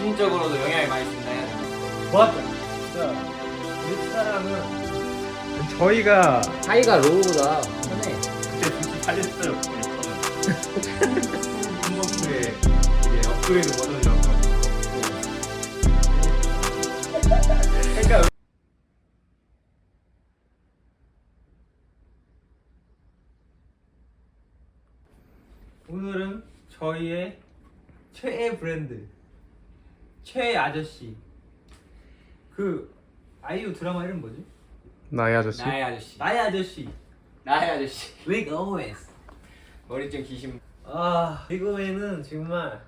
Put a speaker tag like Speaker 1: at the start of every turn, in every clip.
Speaker 1: 개인적으로도 영향을 많이 준다 해야 되나?
Speaker 2: 맞아. 진짜 우리 사람은 저희가
Speaker 1: 하이가 로우보다 편해.
Speaker 2: 그때 굳이 살렸어요. 한번에 이게 업그레이드 버전이라서. 그러니까 오늘은 저희의 최애 브랜드, 최애 아저씨. 그 아이유 드라마 이름 뭐지?
Speaker 3: 나의 아저씨?
Speaker 1: 나의 아저씨.
Speaker 2: 나의 아저씨.
Speaker 1: 나의 아저씨.
Speaker 2: Rick Owens.
Speaker 1: 머리 좀 기신.
Speaker 2: 아, 이거에는 정말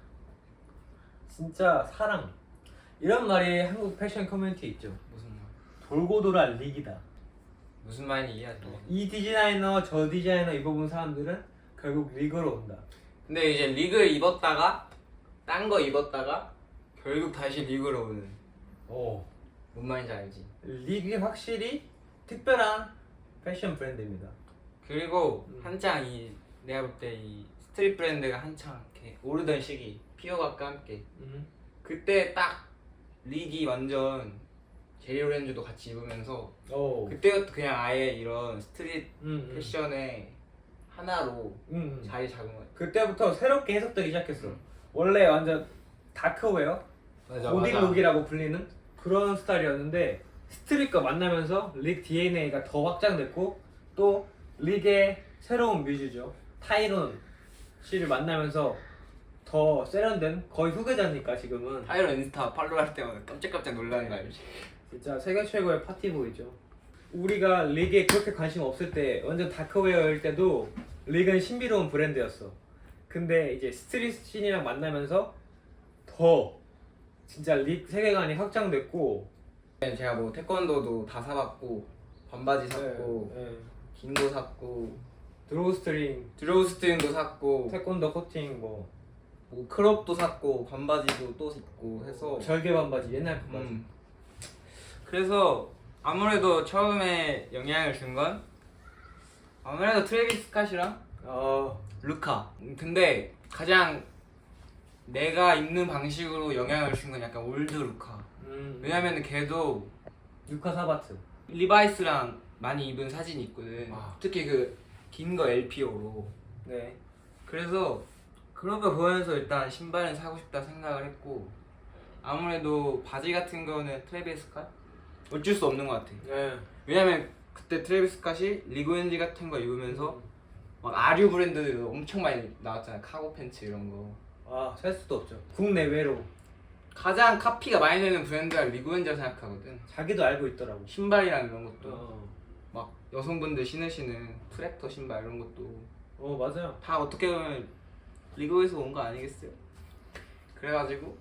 Speaker 2: 진짜 사랑. 이런 말이 한국 패션 커뮤니티에 있죠.
Speaker 1: 무슨 말?
Speaker 2: 돌고 돌아 릭이다.
Speaker 1: 무슨 말인지 이해하지?
Speaker 2: 이 디자이너 저 디자이너 입어본 사람들은 결국 릭으로 온다.
Speaker 1: 근데 이제 릭을 입었다가 딴 거 입었다가 결국 다시 릭으로 오는.
Speaker 2: 오.
Speaker 1: 뭔 말인지 알지?
Speaker 2: 릭이 확실히 특별한 패션 브랜드입니다.
Speaker 1: 그리고 한창 내가 볼 때 이 스트릿 브랜드가 한창 이렇게 오르던 시기 피어각과 함께 그때 딱 릭이 완전 제리오렌즈도 같이 입으면서
Speaker 2: 오.
Speaker 1: 그때부터 그냥 아예 이런 스트릿 패션의 하나로
Speaker 2: 음.
Speaker 1: 자리 잡은 거야.
Speaker 2: 그때부터 새롭게 해석되기 시작했어. 원래 완전 다크웨어, 고딩룩이라고 불리는 그런 스타일이었는데 스트릿과 만나면서 릭 DNA가 더 확장됐고 또 릭의 새로운 뮤즈죠. 타이론 씨를 만나면서 더 세련된 거의 후계자니까 지금은
Speaker 1: 타이런 인스타 팔로우할 때마다 깜짝깜짝 놀라는 거 알지?
Speaker 2: 진짜 세계 최고의 파티보이죠. 우리가 릭에 그렇게 관심 없을 때 완전 다크웨어일 때도 릭은 신비로운 브랜드였어. 근데 이제 스트릿 씬이랑 만나면서 더 진짜 릭 세계관이 확장됐고
Speaker 1: 제가 뭐 태권도도 다 사봤고 반바지 샀고 긴 거 샀고
Speaker 2: 드로우 스트링,
Speaker 1: 드로우 스트링도 샀고
Speaker 2: 태권도 코팅 뭐
Speaker 1: 크롭도 샀고 반바지도 또 입고 해서
Speaker 2: 절개 반바지 옛날 그 바지.
Speaker 1: 그래서 아무래도 처음에 영향을 준 건 아무래도 트래비스 스캇이랑 루카. 근데 가장 내가 입는 방식으로 영향을 준 건 약간 올드 루카. 왜냐면 걔도
Speaker 2: 루카 사바트.
Speaker 1: 리바이스랑 많이 입은 사진이 있거든.
Speaker 2: 아.
Speaker 1: 특히 그 긴 거 LPO로.
Speaker 2: 네.
Speaker 1: 그래서 그런 거 보면서 일단 신발은 사고 싶다 생각을 했고 아무래도 바지 같은 거는 트래비스 스캇? 어쩔 수 없는 것 같아.
Speaker 2: 네.
Speaker 1: 왜냐면 그때 트래비스 스캇이 리그엔지 같은 거 입으면서 막 아류 브랜드들 엄청 많이 나왔잖아. 카고 팬츠 이런 거.
Speaker 2: 살 수도 없죠. 국내외로
Speaker 1: 가장 카피가 많이 되는 브랜드가 리그엔지라 생각하거든.
Speaker 2: 자기도 알고 있더라고.
Speaker 1: 신발이랑 이런 것도 막 여성분들 신으시는 트랙터 신발 이런 것도
Speaker 2: 맞아요.
Speaker 1: 다 어떻게 보면 리그에서 온 거 아니겠어요? 그래가지고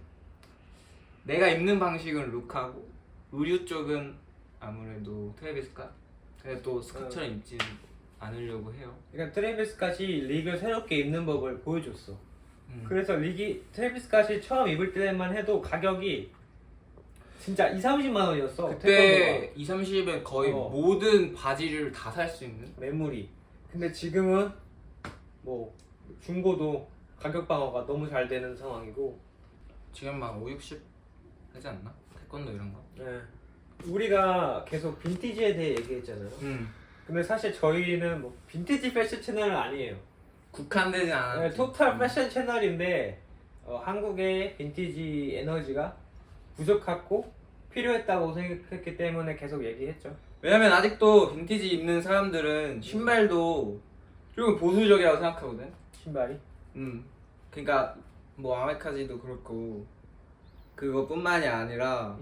Speaker 1: 내가 입는 방식은 룩하고 의류 쪽은 아무래도 트래비스 스캇. 근데 또 스캇처럼 입지는 않으려고 해요.
Speaker 2: 그러니까 트래비스 스캇이 릭을 새롭게 입는 법을 보여줬어. 그래서 트래비스 스캇이 처음 입을 때만 해도 가격이 진짜 2-30만 원이었어.
Speaker 1: 그때 2-30에 거의 모든 바지를 다 살 수 있는
Speaker 2: 매물이. 근데 지금은 뭐 중고도 가격 방어가 너무 잘 되는 상황이고
Speaker 1: 지금 막 5-60 하지 않나? 태권도 이런 거.
Speaker 2: 네. 우리가 계속 빈티지에 대해 얘기했잖아요. 근데 사실 저희는 뭐 빈티지 패션 채널은 아니에요.
Speaker 1: 국한되진 않았지.
Speaker 2: 네, 토탈 패션 채널인데 한국의 빈티지 에너지가 부족했고 필요했다고 생각했기 때문에 계속 얘기했죠.
Speaker 1: 왜냐면 아직도 빈티지 입는 사람들은 신발도 조금 보수적이라고 생각하거든.
Speaker 2: 신발이?
Speaker 1: 그러니까 뭐 아메카지도 그렇고 그거뿐만이 아니라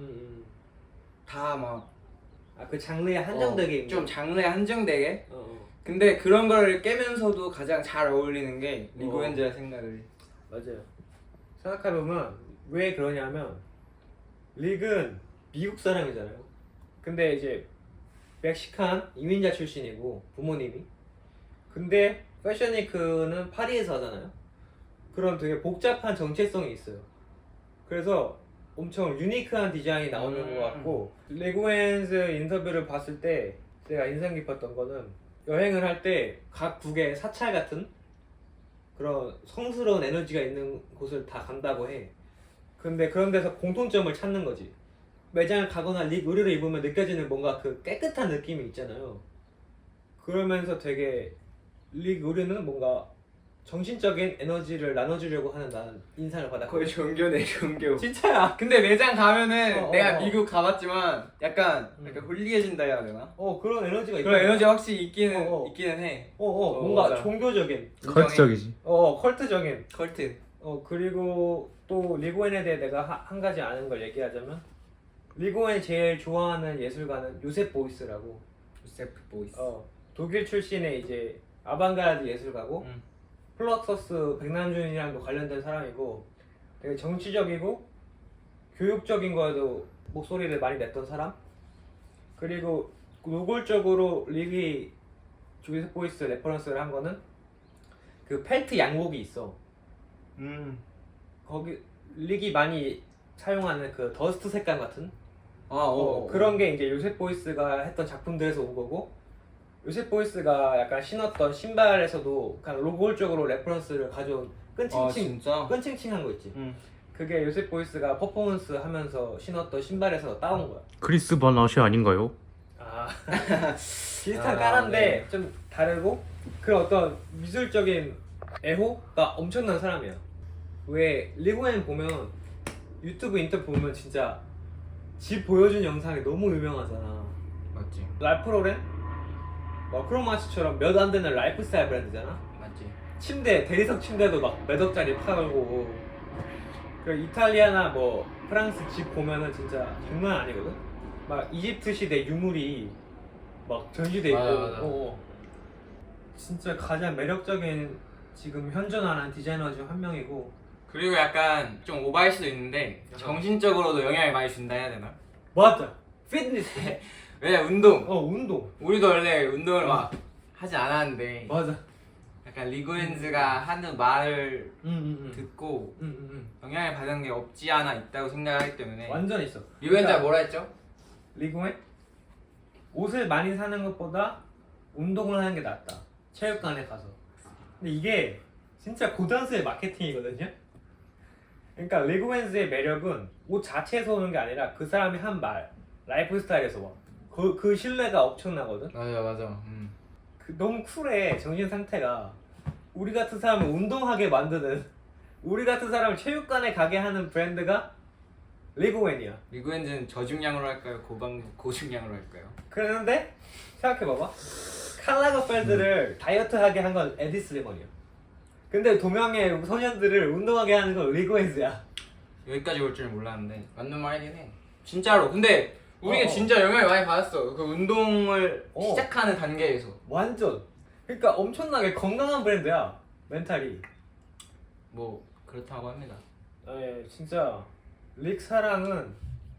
Speaker 1: 다 막
Speaker 2: 그 장르에 한정되게
Speaker 1: 좀 장르에 한정되게. 근데 그런 걸 깨면서도 가장 잘 어울리는 게 리고엔즈라 생각을 해.
Speaker 2: 맞아요. 생각해보면 왜 그러냐면 릭은 미국 사람이잖아요. 근데 이제 멕시칸 이민자 출신이고 부모님이. 근데 패션위크는 파리에서 하잖아요. 그런 되게 복잡한 정체성이 있어요. 그래서 엄청 유니크한 디자인이 나오는 것 같고 레고엔즈 인터뷰를 봤을 때 제가 인상 깊었던 거는 여행을 할 때 각 국의 사찰 같은 그런 성스러운 에너지가 있는 곳을 다 간다고 해. 근데 그런 데서 공통점을 찾는 거지. 매장을 가거나 리그 의류를 입으면 느껴지는 뭔가 그 깨끗한 느낌이 있잖아요. 그러면서 되게 리그 의류는 뭔가 정신적인 에너지를 나눠주려고 하는 나는 인상을 받았고.
Speaker 1: 거의 종교네 종교.
Speaker 2: 진짜야.
Speaker 1: 근데 매장 가면은
Speaker 2: 어,
Speaker 1: 내가
Speaker 2: 어.
Speaker 1: 미국 가봤지만 약간
Speaker 2: 음.
Speaker 1: 홀리해진다 해야 되나?
Speaker 2: 그런 에너지가 있다.
Speaker 1: 그런 에너지가 확실히 있기는
Speaker 2: 어.
Speaker 1: 있기는 해.
Speaker 2: 뭔가
Speaker 1: 맞아.
Speaker 2: 종교적인,
Speaker 3: 컬트적이지.
Speaker 2: 컬트적인.
Speaker 1: 컬트.
Speaker 2: 그리고 또 리고엔에 대해 내가 한 가지 아는 걸 얘기하자면 리고엔이 제일 좋아하는 예술가는 요셉 보이스라고.
Speaker 1: 요세프 보이스.
Speaker 2: 독일 출신의 이제 아방가르드 예술가고 플럭서스 백남준이랑도 관련된 사람이고 되게 정치적이고 교육적인 거에도 목소리를 많이 냈던 사람. 그리고 노골적으로 릭이 요셉 보이스 레퍼런스를 한 거는 그 펠트 양복이 있어. 거기 릭이 많이 사용하는 그 더스트 색감 같은 그런 게 이제 요셉 보이스가 했던 작품들에서 온 거고, 요셉 보이스가 약간 신었던 신발에서도 그냥 노골적으로 레퍼런스를 가져온
Speaker 1: 진짜?
Speaker 2: 끈칭칭한 거 있지. 그게 요셉 보이스가 퍼포먼스 하면서 신었던 신발에서 따온 거야.
Speaker 3: 크리스 반 아시 아닌가요?
Speaker 2: 비슷한
Speaker 1: 아,
Speaker 2: 까란데
Speaker 1: 네.
Speaker 2: 좀 다르고 그런 어떤 미술적인 애호가 엄청난 사람이야. 왜 리고엔 보면 유튜브 인터뷰 보면 진짜 집 보여준 영상이 너무 유명하잖아.
Speaker 1: 맞지.
Speaker 2: 랄프 로렌, 크로마치처럼 몇 안 되는 라이프 스타일 브랜드잖아.
Speaker 1: 맞지.
Speaker 2: 침대, 대리석 침대도 막 몇 억짜리 팔고. 그 이탈리아나 뭐 프랑스 집 보면은 진짜 장난 아니거든. 막 이집트 시대 유물이 막 전시돼 있고.
Speaker 1: 맞아.
Speaker 2: 진짜 가장 매력적인 지금 현존하는 디자이너 중 한 명이고.
Speaker 1: 그리고 약간 좀 오바일 수도 있는데 정신적으로도 영향을 많이 준다 해야 되나?
Speaker 2: 맞아. 피트니스.
Speaker 1: 왜냐 운동.
Speaker 2: 운동.
Speaker 1: 우리도 원래 운동을 막 하지 않았는데
Speaker 2: 맞아.
Speaker 1: 약간 리고엔즈가 하는 말을
Speaker 2: 응.
Speaker 1: 듣고
Speaker 2: 응.
Speaker 1: 영향을 받은 게 없지 않아 있다고 생각하기 때문에
Speaker 2: 완전 있어.
Speaker 1: 리고엔즈가 뭐라 했죠?
Speaker 2: 리고엔 옷을 많이 사는 것보다 운동을 하는 게 낫다. 체육관에 가서. 근데 이게 진짜 고단수의 마케팅이거든요. 그러니까 리고엔즈의 매력은 옷 자체에서 오는 게 아니라 그 사람이 한 말, 라이프 스타일에서 와. 그 신뢰가 엄청나거든.
Speaker 1: 맞아.
Speaker 2: 너무 쿨해. 정신 상태가. 우리 같은 사람을 운동하게 만드는, 우리 같은 사람을 체육관에 가게 하는 브랜드가 리고엔이야.
Speaker 1: 리고엔즈는 저중량으로 할까요? 고중량으로 할까요?
Speaker 2: 그랬는데 생각해봐봐. 칼라거펠드를 다이어트하게 한 건 에디 슬리먼이야. 근데 도명의 소년들을 운동하게 하는 건 리고엔즈야.
Speaker 1: 여기까지 올 줄은 몰랐는데 맞는 말이긴 해. 진짜로. 근데 우리가 진짜 영향을 많이 받았어. 그 운동을 시작하는 단계에서.
Speaker 2: 완전. 그러니까 엄청나게 건강한 브랜드야. 멘탈이.
Speaker 1: 뭐 그렇다고 합니다.
Speaker 2: 진짜 릭 사랑은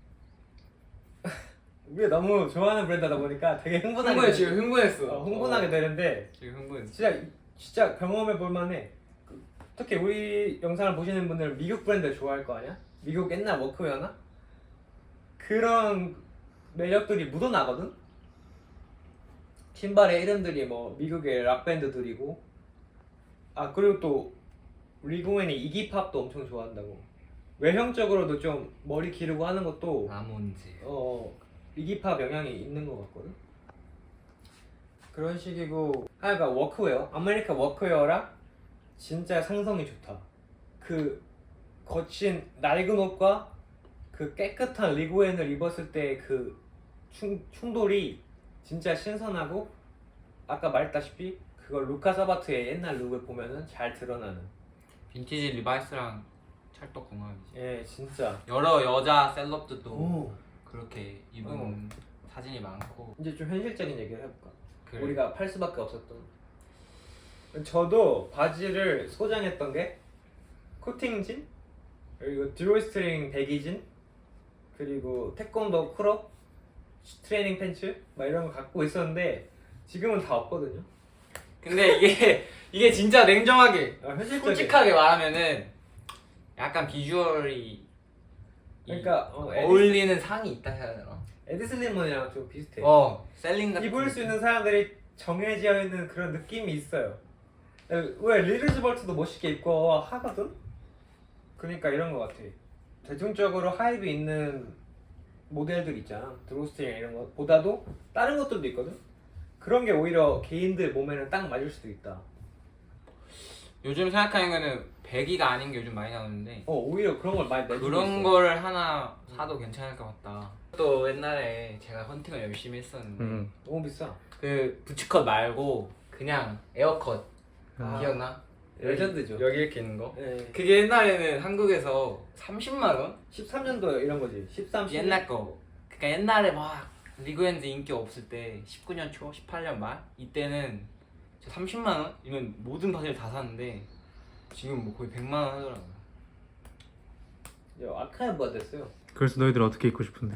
Speaker 2: 우리가 너무 좋아하는 브랜드다 보니까 되게 흥분하게
Speaker 1: 지금 흥분했어.
Speaker 2: 흥분하게 되는데
Speaker 1: 지금 흥분했어.
Speaker 2: 진짜 경험해 볼 만해. 특히 우리 영상을 보시는 분들은 미국 브랜드 좋아할 거 아니야? 미국 옛날 워크웨어나? 그런 매력들이 묻어나거든? 신발의 이름들이 뭐 미국의 락밴드들이고, 그리고 또 리고엔이 이기팝도 엄청 좋아한다고. 외형적으로도 좀 머리 기르고 하는 것도
Speaker 1: 라몬즈.
Speaker 2: 이기팝 영향이 있는 것 같거든? 그런 식이고, 그러니까 워크웨어, 아메리카 워크웨어랑 진짜 상성이 좋다. 그 거친 낡은 옷과 그 깨끗한 리고엔을 입었을 때 그 충돌이 진짜 신선하고, 아까 말했다시피 그걸 루카 사바트의 옛날 룩을 보면은 잘 드러나는.
Speaker 1: 빈티지 리바이스랑 찰떡궁합이지.
Speaker 2: 진짜.
Speaker 1: 여러 여자 셀럽들도
Speaker 2: 오.
Speaker 1: 그렇게 입은 사진이 많고.
Speaker 2: 이제 좀 현실적인 얘기를 해볼까?
Speaker 1: 그래.
Speaker 2: 우리가 팔 수밖에 없었던. 저도 바지를 소장했던 게 코팅진, 그리고 드로이스트링 배기진, 그리고 태권도 크롭, 트레이닝 팬츠 막 이런 거 갖고 있었는데 지금은 다 없거든요.
Speaker 1: 근데 이게 진짜 냉정하게
Speaker 2: 현실적인.
Speaker 1: 솔직하게 말하면은 약간 비주얼이
Speaker 2: 그러니까
Speaker 1: 어울리는 상이 있다 해야 되나?
Speaker 2: 에디 슬리먼이랑 좀 비슷해.
Speaker 1: 셀링 같은
Speaker 2: 입을 수 있는 사람들이 정해져 있는 그런 느낌이 있어요. 왜 리르즈벌트도 멋있게 입고 하거든? 그러니까 이런 거 같아. 대중적으로 하이브 있는 모델들 있잖아. 드로스트링 이런 것보다도 다른 것들도 있거든. 그런 게 오히려 개인들 몸에는 딱 맞을 수도 있다.
Speaker 1: 요즘 생각하는 거는 배기가 아닌 게 요즘 많이 나오는데
Speaker 2: 오히려 그런 걸 많이 내주고
Speaker 1: 그런
Speaker 2: 있어.
Speaker 1: 걸 하나 사도 괜찮을 것 같다. 또 옛날에 제가 헌팅을 열심히 했었는데
Speaker 2: 너무 비싸.
Speaker 1: 그 부츠컷 말고 그냥 에어컷 기억나?
Speaker 2: 레전드죠.
Speaker 1: 여기 이렇게 있는 거.
Speaker 2: 네.
Speaker 1: 그게 옛날에는 한국에서 30만 원?
Speaker 2: 13년도 이런 거지. 13, 14.
Speaker 1: 옛날 거. 그러니까 옛날에 막 리그엔드 인기 없을 때 19년 초, 18년 말 이때는 30만 원이면 모든 바지를 다 샀는데 지금 뭐 거의 100만 원 하더라고요.
Speaker 2: 아카이브가 됐어요.
Speaker 3: 그래서 너희들 어떻게 입고 싶은데?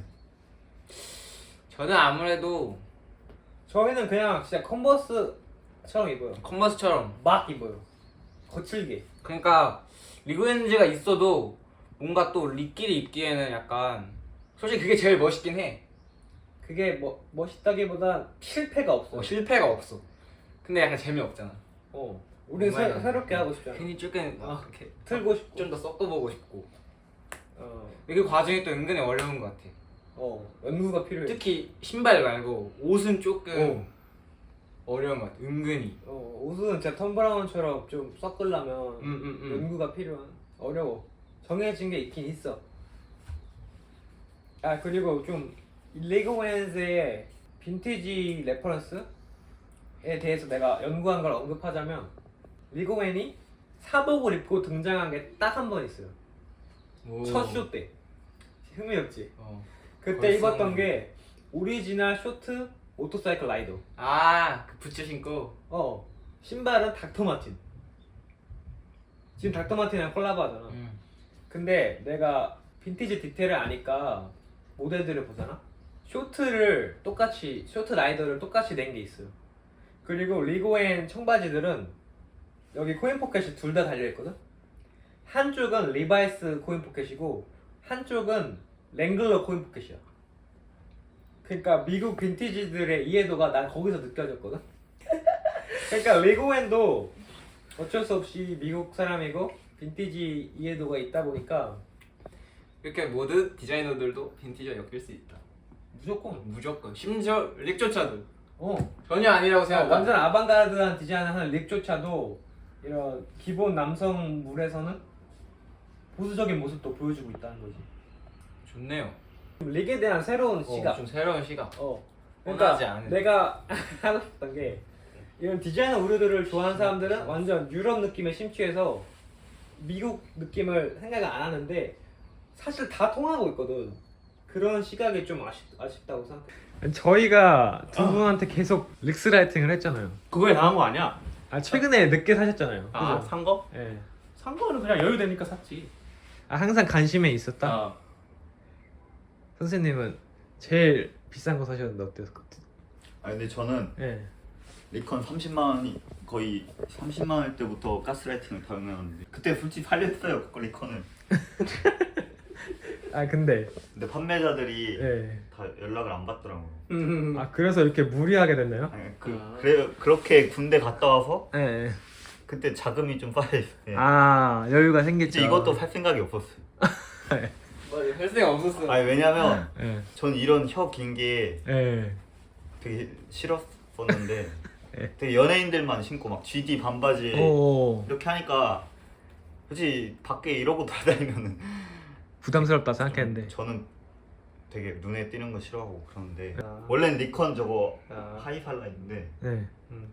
Speaker 1: 저는 아무래도
Speaker 2: 저희는 그냥 진짜 컨버스처럼 입어요.
Speaker 1: 컨버스처럼
Speaker 2: 막 입어요. 거칠게.
Speaker 1: 그러니까 리그엔즈가 있어도 뭔가 또 리끼리 입기에는 약간 솔직히 그게 제일 멋있긴 해.
Speaker 2: 그게 뭐 멋있다기보다 실패가 없어.
Speaker 1: 실패가 없어. 근데 약간 재미없잖아.
Speaker 2: 우리
Speaker 1: 정말
Speaker 2: 새롭게 하고 싶잖아.
Speaker 1: 괜히 조금 막 이렇게
Speaker 2: 틀고 싶고.
Speaker 1: 좀 더 섞어보고 싶고.
Speaker 2: 어,
Speaker 1: 그 과정이 또 은근히 어려운 것 같아.
Speaker 2: 연구가 필요해.
Speaker 1: 특히 신발 말고 옷은 조금
Speaker 2: 어.
Speaker 1: 어려운 것 같아. 은근히.
Speaker 2: 옷은 진짜 톰 브라운처럼 좀 섞으려면 연구가 필요한. 어려워. 정해진 게 있긴 있어. 아 그리고 좀 리그웬즈의 빈티지 레퍼런스에 대해서 내가 연구한 걸 언급하자면 리그웬이 사복을 입고 등장한 게 딱 한 번 있어요. 첫 쇼 때. 흥미롭지? 그때
Speaker 1: 벌써
Speaker 2: 입었던 게 오리지널 쇼트 모터사이클 라이더.
Speaker 1: 그 부츠 신고.
Speaker 2: 신발은 닥터마틴. 지금 닥터마틴이랑 콜라보 하잖아. 근데 내가 빈티지 디테일을 아니까 모델들을 보잖아. 쇼트 라이더를 똑같이 낸 게 있어요. 그리고 리고엔 청바지들은 여기 코인 포켓이 둘 다 달려있거든. 한쪽은 리바이스 코인 포켓이고 한쪽은 랭글러 코인 포켓이야. 그러니까 미국 빈티지들의 이해도가 난 거기서 느껴졌거든. 그러니까 리고엔도 어쩔 수 없이 미국 사람이고 빈티지 이해도가 있다 보니까
Speaker 1: 이렇게 모든 디자이너들도 빈티지와 엮일 수 있다. 무조건. 심지어 릭조차도 전혀 아니라고 생각한다.
Speaker 2: 완전 아방가르드한 디자인을 하는 릭조차도 이런 기본 남성물에서는 보수적인 모습도 보여주고 있다는 거지.
Speaker 1: 좋네요.
Speaker 2: 릭에 대한 새로운 시각.
Speaker 1: 좀 새로운 시각.
Speaker 2: 그러니까
Speaker 1: 원하지 않은.
Speaker 2: 내가 하고 싶던 게 이런 디자이너 의류들을 좋아하는 사람들은 완전 유럽 느낌에 심취해서 미국 느낌을 생각을 안 하는데 사실 다 통하고 있거든. 그런 시각이 좀 아쉽다고 생각해. 저희가 두 분한테 계속 릭스라이팅을 했잖아요.
Speaker 3: 그거에 당한 거 아니야?
Speaker 2: 최근에 늦게 사셨잖아요.
Speaker 3: 아,
Speaker 2: 그죠?
Speaker 3: 산 거?
Speaker 2: 네.
Speaker 3: 산 거는 그냥 여유 되니까 샀지.
Speaker 2: 항상 관심에 있었다.
Speaker 3: 아,
Speaker 2: 선생님은 제일 비싼 거 사셨는데 어땠을 것 같아요?
Speaker 4: 근데 저는
Speaker 2: 네.
Speaker 4: 리컨 30만 원이 거의 30만 원 때부터 가스라이팅을 당했는데 그때 솔직히 팔렸어요 그 리컨은.
Speaker 2: 근데
Speaker 4: 근데 판매자들이
Speaker 2: 네.
Speaker 4: 다 연락을 안 받더라고요.
Speaker 2: 그래서 이렇게 무리하게 됐나요?
Speaker 4: 그렇게 군대 갔다 와서
Speaker 2: 네.
Speaker 4: 그때 자금이 좀 빠져있어요.
Speaker 2: 여유가 생겼죠.
Speaker 4: 이제 이것도 살 생각이 없었어요.
Speaker 1: 맞아, 할 생각 없었어.
Speaker 4: 왜냐면
Speaker 2: 네.
Speaker 4: 전 이런 혀 긴 게
Speaker 2: 네.
Speaker 4: 되게 싫었었는데
Speaker 2: 네.
Speaker 4: 되게 연예인들만 신고 막 GD 반바지
Speaker 2: 오.
Speaker 4: 이렇게 하니까 솔직히 밖에 이러고 돌아다니면은
Speaker 2: 부담스럽다 생각했는데.
Speaker 4: 저는 되게 눈에 띄는 거 싫어하고 그러는데
Speaker 2: 아.
Speaker 4: 원래는 니콘 저거
Speaker 2: 아.
Speaker 4: 하이팔라인데
Speaker 2: 네.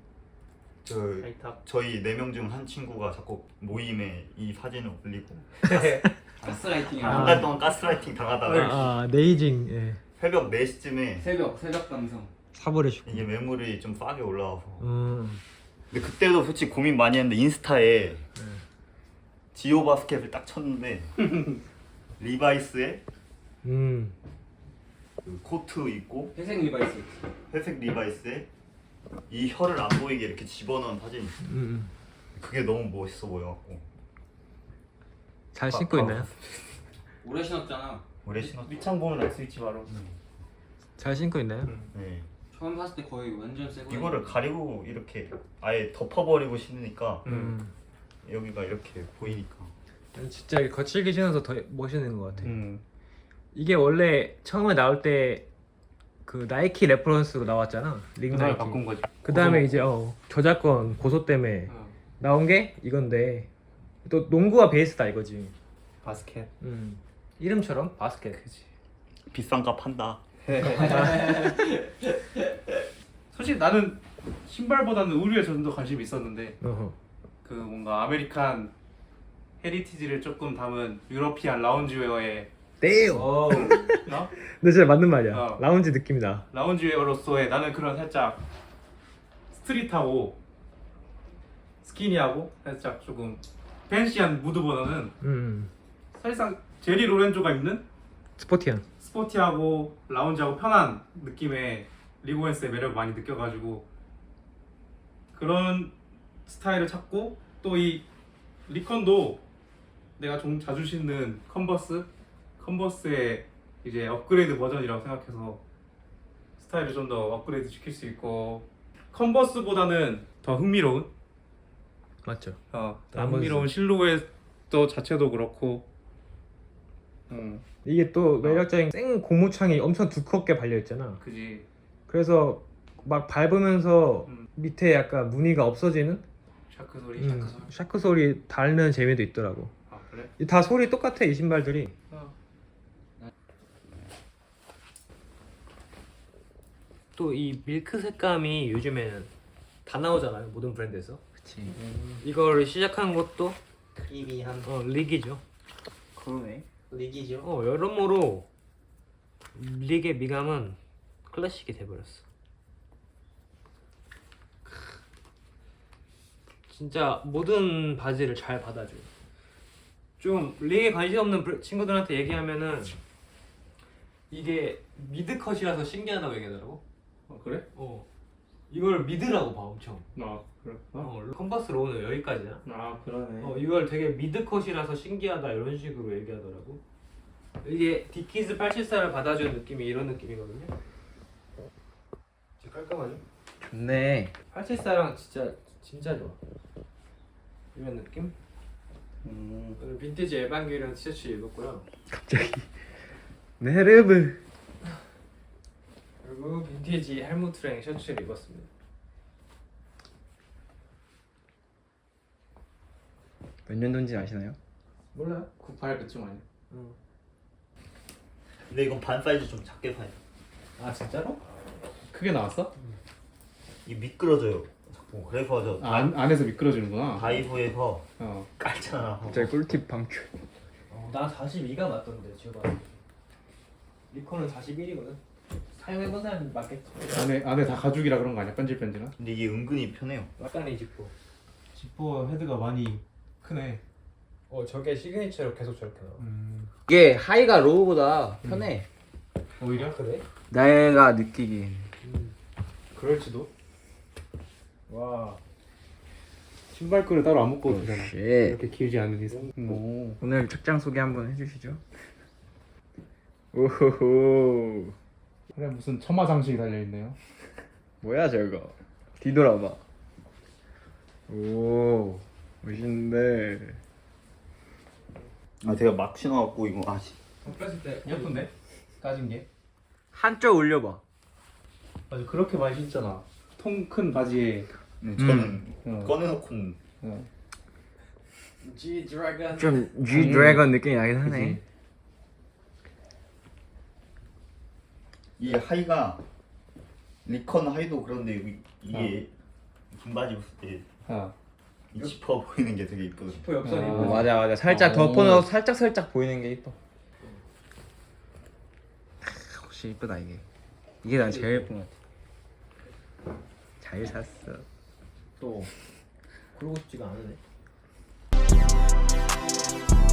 Speaker 4: 저희 4명 중 한 친구가 자꾸 모임에 이 사진을 올리고
Speaker 1: 가스라이팅.
Speaker 4: 한 달 동안 가스라이팅 당하다가
Speaker 2: 네이징. 예.
Speaker 4: 새벽 4시쯤에
Speaker 1: 새벽 감성.
Speaker 2: 사버리시고.
Speaker 4: 이게 매물이 좀 싸게 올라와서
Speaker 2: 음.
Speaker 4: 근데 그때도 솔직히 고민 많이 했는데 인스타에 지오 바스켓을 딱 쳤는데 리바이스에
Speaker 2: 음.
Speaker 4: 그 코트 입고
Speaker 1: 회색 리바이스.
Speaker 4: 회색 리바이스에 이 혀를 안 보이게 이렇게 집어넣은 사진이 있어요. 그게 너무 멋있어 보여갖고
Speaker 2: 잘 신고 있나요?
Speaker 1: 오래 신었잖아.
Speaker 4: 오래 신었죠.
Speaker 3: 밑창 보면 알 수 있지 바로.
Speaker 2: 잘 신고 있나요?
Speaker 4: 네.
Speaker 1: 처음 샀을 때 거의 완전 새거.
Speaker 4: 이거를 가리고 이렇게 아예 덮어버리고 신으니까
Speaker 2: 음.
Speaker 4: 여기가 이렇게 보이니까
Speaker 2: 진짜 거칠게 신어서 더 멋있는 것 같아.
Speaker 3: 음.
Speaker 2: 이게 원래 처음에 나올 때 그 나이키 레퍼런스로 나왔잖아. 링
Speaker 3: 그다음에
Speaker 2: 나이키.
Speaker 3: 바꾼 거지.
Speaker 2: 그 다음에 이제 저작권 고소 때문에
Speaker 3: 어.
Speaker 2: 나온 게 이건데 또 농구가 베이스다 이거지.
Speaker 3: 바스켓.
Speaker 2: 이름처럼 바스켓.
Speaker 3: 그지.
Speaker 4: 비싼 값 한다.
Speaker 3: 솔직히 나는 신발보다는 의류에 좀 더 관심이 있었는데
Speaker 2: 어허.
Speaker 3: 그 뭔가 아메리칸 헤리티지를 조금 담은 유러피안 라운지웨어의
Speaker 2: 떼요.
Speaker 3: 어?
Speaker 2: 근데 진짜 맞는 말이야.
Speaker 3: 어.
Speaker 2: 라운지 느낌이다.
Speaker 3: 라운지웨어로서의 나는 그런 살짝 스트릿하고 스키니하고 살짝 조금 팬시한 무드보다는 사실상 제리 로렌조가 입는
Speaker 2: 스포티한.
Speaker 3: 스포티하고 라운지하고 편한 느낌의 리고엔스의 매력을 많이 느껴가지고 그런 스타일을 찾고 또 이 리컨도 내가 좀 자주 신는 컨버스의 이제 업그레이드 버전이라고 생각해서 스타일을 좀 더 업그레이드 시킬 수 있고 컨버스보다는 더 흥미로운
Speaker 2: 맞죠.
Speaker 3: 더
Speaker 2: 나머지.
Speaker 3: 흥미로운 실루엣도 자체도 그렇고
Speaker 2: 이게 또 매력적인 생 고무창이 엄청 두껍게 발려 있잖아.
Speaker 3: 그지.
Speaker 2: 그래서 막 밟으면서
Speaker 3: 음.
Speaker 2: 밑에 약간 무늬가 없어지는
Speaker 3: 샤크 소리 샤크 소리.
Speaker 2: 샤크 소리 닳는 재미도 있더라고.
Speaker 3: 아 그래?
Speaker 2: 다 소리 똑같아 이 신발들이. 또 이 밀크 색감이 요즘에는 다 나오잖아요 모든 브랜드에서.
Speaker 1: 그치.
Speaker 2: 이걸 시작한 것도
Speaker 1: 크리미한
Speaker 2: 릭이죠.
Speaker 1: 그러네. 릭이죠.
Speaker 2: 여러모로 릭의 미감은 클래식이 돼버렸어. 진짜 모든 바지를 잘 받아줘. 좀 릭에 관심 없는 친구들한테 얘기하면은 이게 미드컷이라서 신기하다고 얘기하더라고.
Speaker 3: 그래?
Speaker 2: 이걸 미드라고 봐 엄청.
Speaker 3: 아 그래?
Speaker 2: 컨버스 로우는 여기까지야.
Speaker 3: 아 그러네.
Speaker 2: 이걸 되게 미드컷이라서 신기하다 이런 식으로 얘기하더라고. 이게 디키즈 874를 받아주는 느낌이 이런 느낌이거든요. 진짜 깔끔하죠?
Speaker 1: 좋네.
Speaker 2: 874랑 진짜 좋아. 이런 느낌? 오늘 빈티지 에반게리온 티셔츠 입었고요.
Speaker 1: 갑자기. 네르브.
Speaker 2: 그리고 빈티지 헬무트랭 셔츠를 입었습니다.
Speaker 1: 몇 년도인지 아시나요?
Speaker 2: 몰라요?
Speaker 3: 98 그쯤 아니야?
Speaker 4: 근데 이건 반 사이즈 좀 작게 사요.
Speaker 2: 아 진짜로?
Speaker 3: 크게 나왔어?
Speaker 4: 이 미끄러져요. 자꾸 그래서 저
Speaker 3: 안에서 미끄러지는구나.
Speaker 4: 다이소에서
Speaker 3: 어.
Speaker 4: 깔잖아.
Speaker 1: 갑자기 꿀팁 방출.
Speaker 2: 난 42가 맞던데 지금. 리콘은 41이거든. 사용해본 사람이 맞겠지.
Speaker 3: 안에 다 가죽이라 그런 거 아니야? 뺀질뺀질한?
Speaker 4: 근데 이게 은근히 편해요.
Speaker 2: 약간의 지퍼.
Speaker 3: 지퍼 헤드가 많이 크네.
Speaker 2: 저게 시그니처로 계속 저렇게 나와.
Speaker 1: 이게 하이가 로우보다 편해.
Speaker 3: 오히려?
Speaker 2: 그래?
Speaker 1: 내가 느끼기엔.
Speaker 3: 그럴지도.
Speaker 2: 와.
Speaker 3: 신발끈을 따로 안 묶어도 되잖아.
Speaker 1: 쉣.
Speaker 3: 이렇게 길지 않은 이상.
Speaker 1: 오. 오늘 착장 소개 한번 해주시죠. 오호호.
Speaker 3: 그래 무슨 첨화 장식이 달려 있네요.
Speaker 1: 뭐야 저거? 뒤돌아봐. 오 멋있는데.
Speaker 4: 아 제가 막 신어갖고 이거 아씨.
Speaker 2: 뺐을 때
Speaker 3: 예쁜데? 까진 게.
Speaker 1: 한쪽 올려봐.
Speaker 3: 맞아 그렇게 많이 신잖아. 통 큰 바지에.
Speaker 4: 저는
Speaker 3: 어.
Speaker 4: 꺼내놓고는
Speaker 2: G 드래곤.
Speaker 1: 좀 G 드래곤 느낌이 나긴 하네.
Speaker 3: 그치.
Speaker 4: 이 하이가 리컨 하이도 그런데 이게 긴 바지 입었을 때 이
Speaker 3: 어.
Speaker 4: 지퍼 보이는 게 되게 이쁘거든.
Speaker 2: 지퍼 옆선이.
Speaker 3: 아.
Speaker 1: 맞아 살짝 덮어놓고 살짝 보이는 게 이뻐. 혹시 이쁘다 이게. 이게 난 제일 예쁜 것 같아. 잘 샀어.
Speaker 2: 또 그러고 싶지가 않으네.